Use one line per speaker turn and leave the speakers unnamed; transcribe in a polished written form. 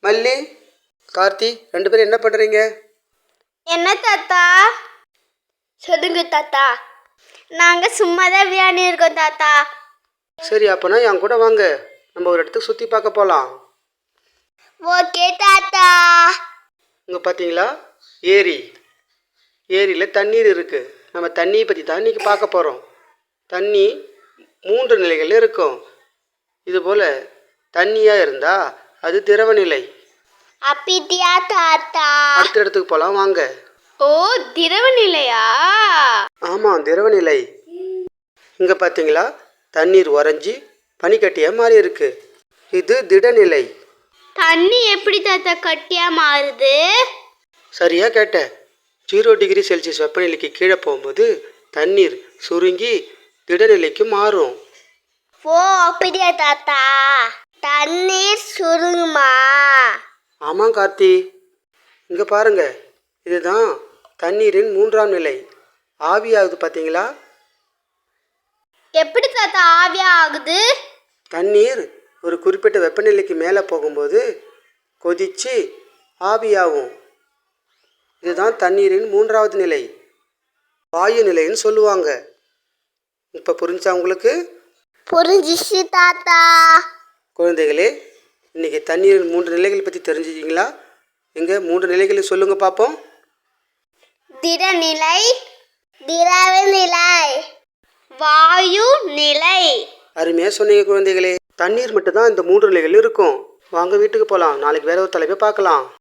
மல்லி, கார்த்தி 2 பேரும் என்ன பண்ணுறீங்க?
என்ன தாத்தா? சொல்லுங்க தாத்தா. நாங்கள் சும்மா தான் விளையாடி இருக்கோம் தாத்தா.
சரி, அப்போனா என் கூட வாங்க, நம்ம ஒரு இடத்துக்கு சுற்றி பார்க்க போகலாம்.
ஓகே தாத்தா.
இங்கே பார்த்தீங்களா, ஏரியில் தண்ணீர் இருக்குது. நம்ம தண்ணியை பற்றி தான் இன்றைக்கி பார்க்க போகிறோம். தண்ணி 3 நிலைகள் இருக்கும். இதுபோல் தண்ணியாக இருந்தால் அது திரவ நிலை.
அப்படியா தாத்தா?
அடுத்த இடத்துக்கு போகலாம் வாங்க.
ஓ, திரவ நிலையா?
ஆமாம், திரவ நிலை. இங்கே பார்த்தீங்களா, தண்ணீர் உறைஞ்சி பனிக்கட்டியாக மாறி இருக்கு. இது திடநிலை.
தண்ணி எப்படி தாத்தா கட்டியா மாறுது?
சரியா கேட்ட. 0 டிகிரி செல்சியஸ் வெப்பநிலைக்கு கீழே போகும்போது தண்ணீர் சுருங்கி திடநிலைக்கு மாறும்.
ஓ, அப்படியா தாத்தா? தண்ணீர் சுருங்குமா?
ஆமாம் கார்த்தி. இங்கே பாருங்க, இதுதான் தண்ணீரின் 3ஆம் நிலை. ஆவியாகுது பார்த்தீங்களா?
எப்படி தாத்தா ஆவியா ஆகுது?
தண்ணீர் ஒரு குறிப்பிட்ட வெப்பநிலைக்கு மேலே போகும்போது கொதிச்சு ஆவியாகும். இதுதான் தண்ணீரின் 3ஆவது நிலை, வாயு நிலைன்னு சொல்லுவாங்க. இப்போ புரிஞ்சா உங்களுக்கு?
புரிஞ்சிச்சு தாத்தா.
குழந்தைகளே, இன்னைக்கு தண்ணீரின் 3 நிலைகளை பற்றி தெரிஞ்சுக்கிங்களா? எங்க 3 நிலைகளை சொல்லுங்க பார்ப்போம்.
திடநிலை, திரவ நிலை, வாயு நிலை.
அருமையாக சொன்னீங்க குழந்தைகளே. தண்ணீர் மட்டும்தான் இந்த 3 நிலைகள் இருக்கும். வாங்க வீட்டுக்கு போகலாம். நாளைக்கு வேற ஒரு தலைப்பை பார்க்கலாம்.